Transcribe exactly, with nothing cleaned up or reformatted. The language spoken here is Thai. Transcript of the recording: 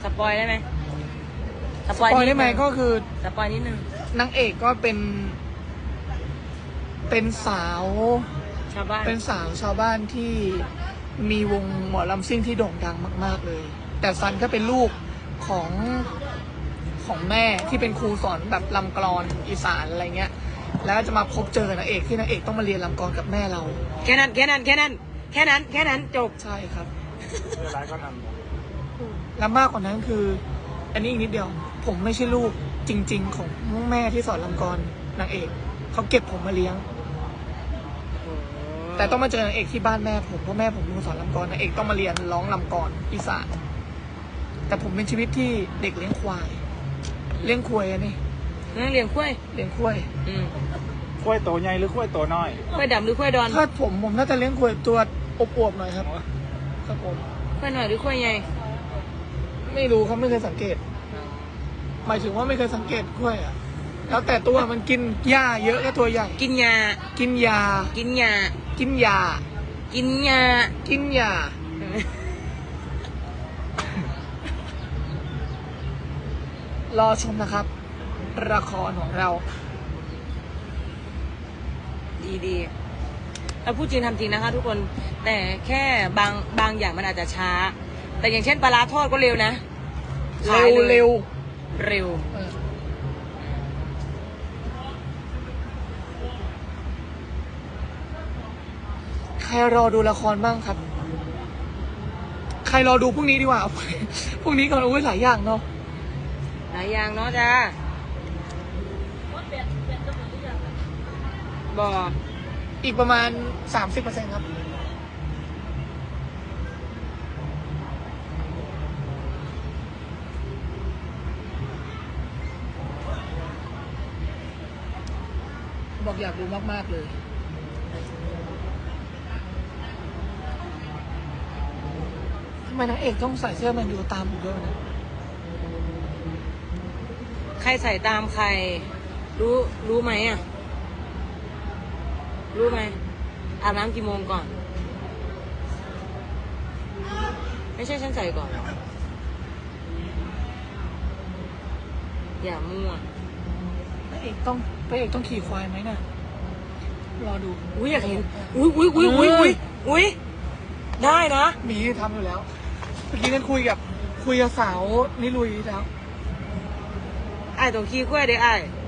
ปอยได้ไหมสสปอยได้ไหมก็คือสปอยนิดนึงนางเอกก็เป็น เป็นสาวชาวบ้านเป็นสาวชาวบ้านที่มีวงหมอลำซิ่งที่โด่งดังมากๆเลย แต่ซันก็เป็นลูกของของแม่ที่เป็นครูสอนแบบลำกลอนอีสานอะไรเงี้ย แล้วจะมาพบเจอนางเอกที่นางเอกต้องมาเรียนลำกลอนกับแม่เราแค่นั้นแค่นั้นแค่นั้นแค่นั้นแค่นั้นจบใช่ครับเรื่องร้ายก็นและมากกว่านั้นคือ อันนี้อีกนิดเดียว ผมไม่ใช่ลูกจริง ๆ ของแม่ที่สอนลำกลอนนางเอกเขาเก็บผมมาเลี้ยง แต่ต้องมาเจอนางเอกที่บ้านแม่ผมเพราะแม่ผมเป็นคนสอนลำกลอนนางเอกต้องมาเรียนร้องลำกลอนอีสานแต่ผมเป็นชีวิตที่เด็กเลี้ยงควาย เลี้ยงควายอันนี้นั่งเลี้ยงกล้วยเลี้ยงควายอืมำขั้วยโตใหญ่หรือขั้วยโตน้อยกล้วยดำหรือกล้วยดอนถ้าผมผมน่าจะเลี้ยงควายตัวอวบๆหน่อยครับครับผมกล้วยหน่อยหรือกล้วยใหญ่ไม่รู้ครับไม่เคยสังเกต หมายถึงว่าไม่เคยสังเกตควายอ่ะแล้วแต่ตัวมันกินหญ้าเยอะก็ตัวใหญ่กินยากินยากินยากินยากินยากินยา รอชมนะครับละครของเราดีดีเราพูดจริงทำจริงนะคะทุกคนแต่แค่บางบางอย่างมันอาจจะช้า แต่อย่างเช่นปลาร้าทอดก็เร็วนะเร็วเร็วเร็วเออใครรอดูละครบ้างครับ ใครรอดูพรุ่งนี้ดีกว่า พรุ่งนี้ก่อนอุ้ยหลายอย่างเนาะหลายอย่างเนาะจ้าบอกอีกประมาณสามสิบเปอร์เซ็นต์ครับ บอกอยากดูมาก ๆ เลย ทำไมนางเอกต้องใส่เสื้อแมนยูตามผมด้วยนะใครใส่ตามใคร รู้รู้ไหมอ่ะ รู้ไหมอาบน้ำกี่โมงก่อน ไม่ใช่ฉันใส่ก่อน อย่ามั่วพระเอกต้องพระเอกต้องขี่ควายไหมน่ะ รอดูอุ้ยอยากเห็น อุ้ยอุ้ยอุ้ยอุ้ยอุ้ยอุ้ยได้นะมีทำอยู่แล้ว เมื่อกี้นั้นคุยกับคุยกับสาวนิลุยแล้วไอ้ายต้องขี้กล้วยเด้อไอ้าย